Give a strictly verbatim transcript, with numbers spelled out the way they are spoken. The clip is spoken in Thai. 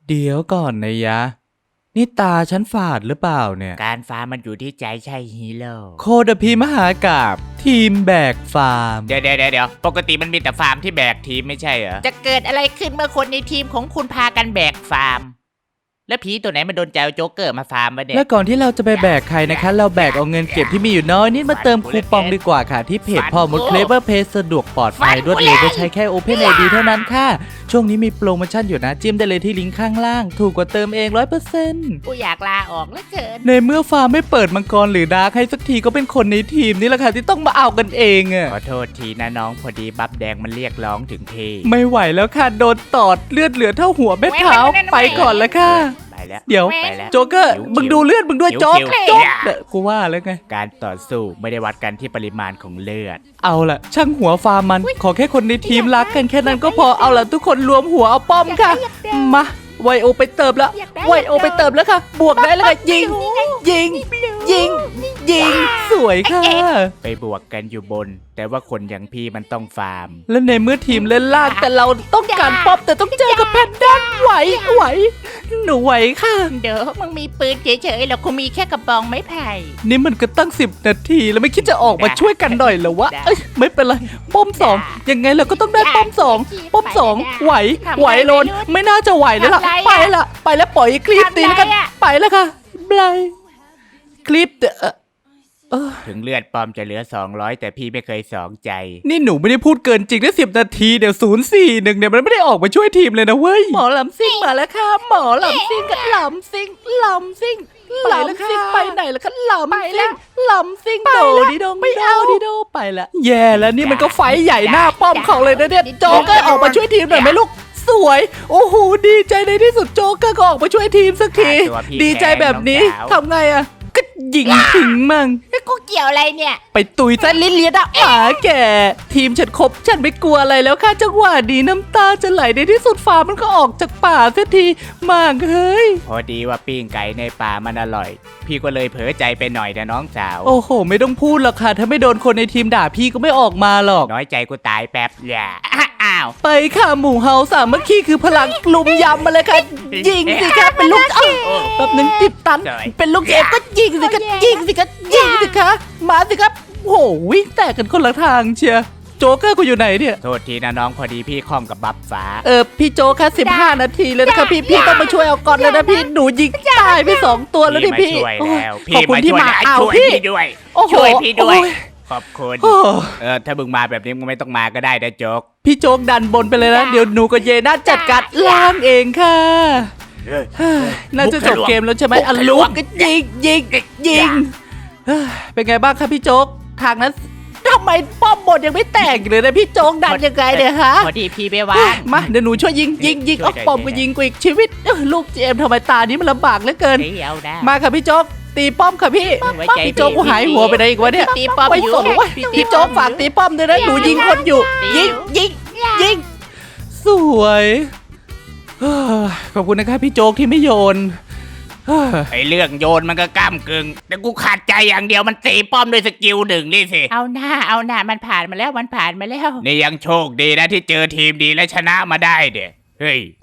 เดี๋ยวก่อนนะยะนี่ตาฉันฝาดหรือเปล่าเนี่ยการฟาร์มมันอยู่ที่ใจใช่ฮีโร่โคดพีมหากาบทีมแบกฟาร์มเดี๋ยวเดี๋ยวเดี๋ยวปกติมันมีแต่ฟาร์มที่แบกทีมไม่ใช่เหรอจะเกิดอะไรขึ้นเมื่อคนในทีมของคุณพากันแบกฟาร์มแล้วผีตัวไหนมันโดนใจโจ๊กเกอร์มาฟาร์มวะเนี่ยและก่อนที่เราจะไปแบกใครนะคะเราแบกเอาเงินเก็บที่มีอยู่น้อยนิดมาเติมคูปองดีกว่าค่ะที่เพจพ่อมดเคลเวอร์เพจสะดวกปลอดภัยรวดเร็วก็ใช้แค่ Open ไอ ดี เท่านั้นค่ะช่วงนี้มีโปรโมชั่นอยู่นะจิ้มได้เลยที่ลิงก์ข้างล่างถูกกว่าเติมเอง ร้อยเปอร์เซ็นต์กูอยากลาออกแล้วเกินในเมื่อฟาร์มไม่เปิดมังกรหรือดาร์คให้สักทีก็เป็นคนในทีมนี่แหละค่ะที่ต้องมาเอากันเองอะขอโทษทีนะน้องพอดีบัฟแดงมันเรียกร้องถึงพี่ไม่ไหวแล้วค่ะโดนตอดเลือดเหลือเท่าหัวแม่เท้าไปก่อนแล้วค่ะเดี๋ยวโจ๊กเกอร์มึงดูเลือดมึงด้วยโจ๊กโจ๊กเด็กกูว่าแล้วไงการต่อสู้ไม่ได้วัดกันที่ปริมาณของเลือดเอาล่ะช่างหัวฟาร์มมันขอแค่คนในทีมรักกันแค่นั้นก็พอเอาล่ะทุกคนรวมหัวเอาป้อมค่ะมาไวโอไปเติมแล้วไวโอไปเติมแล้วค่ะบวกได้แล้วค่ะยิงยิงยิงยิงสวยค่ะไปบวกกันอยู่บนแต่ว่าคนอย่างพี่มันต้องฟาร์มและในเมื่อทีมเล่นล่างแต่เราต้องการป้อมแต่ต้องเจอกับแพนด้าไหวไหวหนูไหวค่ะเดี๋ยวมึงมีปืนเฉยๆแล้วกูมีแค่กระบองไม้ไผ่นี่มันก็ตั้งสิบนาทีแล้วไม่คิดจะออกมาช่วยกันหน่อยเหรอวะเอ้ยไม่เป็นไรป้อมสองยังไงเราก็ต้องได้ป้อมสองป้อมสองไหวไหวโลนไม่น่าจะไหวแล้วล่ะไปละไปแล้วปล่อยคลิปตีแล้วกันไปแล้วค่ะบลายคลิปเออถึงเลือดปอมจะเหลือสองร้อยแต่พี่ไม่เคยสองใจนี่หนูไม่ได้พูดเกินจริงได้สิบนาทีเดี๋ยวศูนย์สี่หนึ่งเนี่ยมันไม่ได้ออกมาช่วยทีมเลยนะเว้ยหมอลำซิ่งมาแล้วค่ะหมอลำซิ่งกับลำซิ่งลำซิ่งลำซิ่งไปไหนแล้วก็ลำซิ่งลำซิ่งโดดิโดไม่เอาดิโดไปละแย่แล้วนี่มันก็ไฟใหญ่หน้าป้อมเขาเลยนะเนี่ยโจ๊กเกอร์ออกมาช่วยทีมหน่อยไหมลูกสวยโอ้โหดีใจในที่สุดโจ๊กเกอร์ก็ออกมาช่วยทีมสักทีดีใจแบบนี้ทำไงอะก็ยิงทิ้งมั่งกูเกี่ยวอะไรเนี่ยไปตุยซะลิ้นเลียดอะหมาแก่ทีมฉันครบฉันไม่กลัวอะไรแล้วค่ะจังหวะดีน้ำตาจะไหลในที่สุดฟ้ามันก็ออกจากป่าเสียทีมากเฮ้ยพอดีว่าปิ้งไก่ในป่ามันอร่อยพี่ก็เลยเผลอใจไปหน่อยนะน้องสาวโอ้โหไม่ต้องพูดหรอกค่ะถ้าไม่โดนคนในทีมด่าพี่ก็ไม่ออกมาหรอกน้อยใจกูตายแป๊บอย่าอ้าวไปค่ะหมู่เฮาสามัคคีคือพลังลุมยำมาเลยค่ะยิงสิคะเป็นลูกเอ้าแบบนึงติดตันเป็นลูกเอฟก็ยิงสิคะยิงสิคะยิงสิคะมาสิครับโหวิ่งแตกกันคนละทางเชียร์โจ๊กเกอร์กูอยู่ไหนเนี่ยโทษทีนะน้องพอดีพี่คล่องกับบัฟฟ้าเออพี่โจ๊กค่ะสิบห้านาทีเลยนะคะพี่พี่ต้องมาช่วยเอาก่อนเลยนะพี่หนูยิงตายไปสองตัวแล้วดิพี่ขอบคุณที่มาเอาพี่ด้วยช่วยพี่ด้วยขอบคุณเออถ้ามึงมาแบบนี้มึงไม่ต้องมาก็ได้นะโจ๊กพี่โจ๊กดันบนไปเลยนะเดี๋ยวหนูกับเยน่าจัดการล่างเองค่ะน่าจะจบเกมแล้วใช่ไหมอ่ะลุกก็ยิงยิงยิงเป็นไงบ้างครับพี่โจ๊กทางนั้นทำไมป้อมบนยังไม่แตกเลยนะพี่โจ๊กดันยังไงเนี่ยฮะพอดีพี่ไปวางมาเดี๋ยวหนูช่วยยิงยิงยิงเอาป้อมก็ยิงกูอีกชีวิตลูกเจมทำไมตานี้มันลำบากเหลือเกินมาค่ะพี่โจ๊กตีป้อมค่ะพี่พี่โจ๊กกูหายหัวไปไหนอีกวะเนี่ยตีป้อมอยู่พี่โจ๊กฝากตีป้อมด้วยนะหนูยิงคนอยู่ยิงยิงยิงสวยขอบคุณนะครับพี่โจ๊กที่ไม่โยนไอเรื่องโยนมันก็ก้ามกึ่งแต่กูขาดใจอย่างเดียวมันตีป้อมด้วยสกิลหนึ่งนี่สิเอาหน้าเอาหน้ามันผ่านมาแล้วมันผ่านมาแล้วนี่ยังโชคดีนะที่เจอทีมดีและชนะมาได้เด้เฮ้ย